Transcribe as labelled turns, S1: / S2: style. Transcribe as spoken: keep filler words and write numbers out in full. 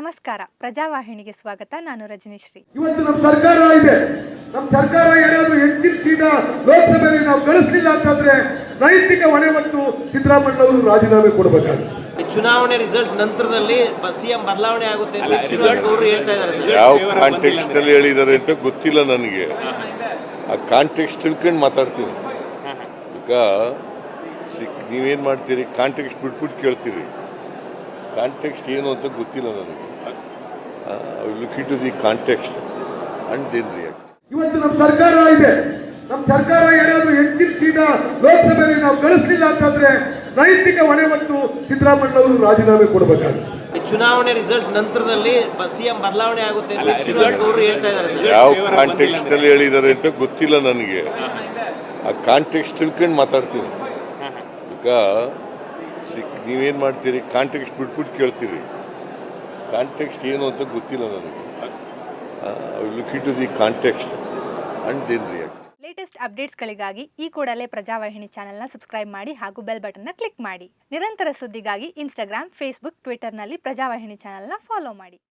S1: ನಮಸ್ಕಾರ, ಪ್ರಜಾವಾಹಿನಿಗೆ ಸ್ವಾಗತ. ನಾನು ರಜನಿಶ್ರೀ.
S2: ಇವತ್ತು ನಮ್ಮ ಸರ್ಕಾರ ಇದೆ. ನಮ್ಮ ಸರ್ಕಾರ ಏನಾದರೂ ಹೆಚ್ಚಿನ ಸೀಟ ಲೋಕಸಭೆಯಲ್ಲಿ ನಾವು ಗಳಿಸಲಿಲ್ಲ ಅಂತಂದ್ರೆ ನೈತಿಕ ಹೊಣೆ ಮತ್ತು ಸಿದ್ದರಾಮಯ್ಯ ಅವರು ರಾಜೀನಾಮೆ ಕೊಡಬೇಕಾಗುತ್ತೆ.
S3: ಚುನಾವಣೆ ರಿಸಲ್ಟ್ ನಂತರದಲ್ಲಿ ಸಿಎಂ ಬದಲಾವಣೆ ಆಗುತ್ತೆ ಅಂತ ಶ್ರೀನಿವಾಸ್ ಗೌಡ್ರು ಹೇಳ್ತಾ ಇದ್ದಾರೆ.
S4: ಯಾವ ಕಾಂಟೆಕ್ಸ್ಟ್ ಅಲ್ಲಿ ಹೇಳಿದ್ದಾರೆ ಅಂತ ಗೊತ್ತಿಲ್ಲ ನನಗೆ. ಆ ಕಾಂಟೆಕ್ಸ್ಟ್ ತಿಳ್ಕೊಂಡು ಮಾತಾಡ್ತೀನಿ. ಈಗ ನೀವೇನ್ ಮಾಡ್ತೀರಿ, ಕಾಂಟೆಕ್ಸ್ಟ್ ಬಿಟ್ಬಿಟ್ಟು ಕೇಳ್ತೀರಿ. ಕಾಂಟೆಕ್ಸ್ಟ್ ಏನು ಅಂತ ಗೊತ್ತಿಲ್ಲ ನನಗೆ. Look into the context and then react.
S2: ಇವತ್ತು ನಮ್ಮ ಸರ್ಕಾರ ಇದೆ. ನಮ್ಮ ಸರ್ಕಾರ ಏನಾದರೂ ಹೆಚ್ಚಿನ ಸೀಟ ಲೋಕಸಭೆಯಲ್ಲಿ ನಾವು ಗಳಿಸಲಿಲ್ಲ ಅಂತಂದ್ರೆ ನೈತಿಕ ಹೊಣೆ ಮತ್ತು ಸಿದ್ದರಾಮಯ್ಯ ಅವರು ರಾಜೀನಾಮೆ ಕೊಡಬೇಕಾಗುತ್ತೆ.
S3: ಚುನಾವಣೆ ರಿಸಲ್ಟ್ ನಂತರದಲ್ಲಿ ಸಿಎಂ ಬದಲಾವಣೆ ಆಗುತ್ತೆ ಅಂತ ಶ್ರೀನಿವಾಸ್ ಗೌಡ್ರು ಹೇಳ್ತಾ ಇದ್ದಾರೆ.
S4: ಯಾವ ಕಾಂಟೆಕ್ಸ್ಟ್ ಅಲ್ಲಿ ಹೇಳಿದ್ದಾರೆ ಅಂತ ಗೊತ್ತಿಲ್ಲ ನನಗೆ. ಆ ಕಾಂಟೆಕ್ಸ್ಟ್ ತಿಳ್ಕೊಂಡು ಮಾತಾಡ್ತೀನಿ. ಈಗ ನೀವೇನ್ ಮಾಡ್ತೀರಿ, ಕಾಂಟೆಕ್ಸ್ಟ್ ಬಿಟ್ಬಿಟ್ಟು ಕೇಳ್ತೀರಿ. ಕಾಂಟೆಕ್ಸ್ಟ್ ಏನು ಅಂತ ಗೊತ್ತಿಲ್ಲ ನನಗೆ. Look into the context and then react.
S1: Latest ಅಪ್ಡೇಟ್ಸ್ಗಳಿಗಾಗಿ ಈ ಕೂಡಲೇ ಪ್ರಜಾವಾಹಿನಿ ಚಾನೆಲ್ನ ಸಬ್ಸ್ಕ್ರೈಬ್ ಮಾಡಿ ಹಾಗೂ ಬೆಲ್ ಬಟನ್ನ ಕ್ಲಿಕ್ ಮಾಡಿ. ನಿರಂತರ ಸುದ್ದಿಗಾಗಿ ಇನ್ಸ್ಟಾಗ್ರಾಮ್, ಫೇಸ್ಬುಕ್, ಟ್ವಿಟರ್ನಲ್ಲಿ ಪ್ರಜಾವಾಹಿನಿ ಚಾನೆಲ್ನ ಫಾಲೋ ಮಾಡಿ.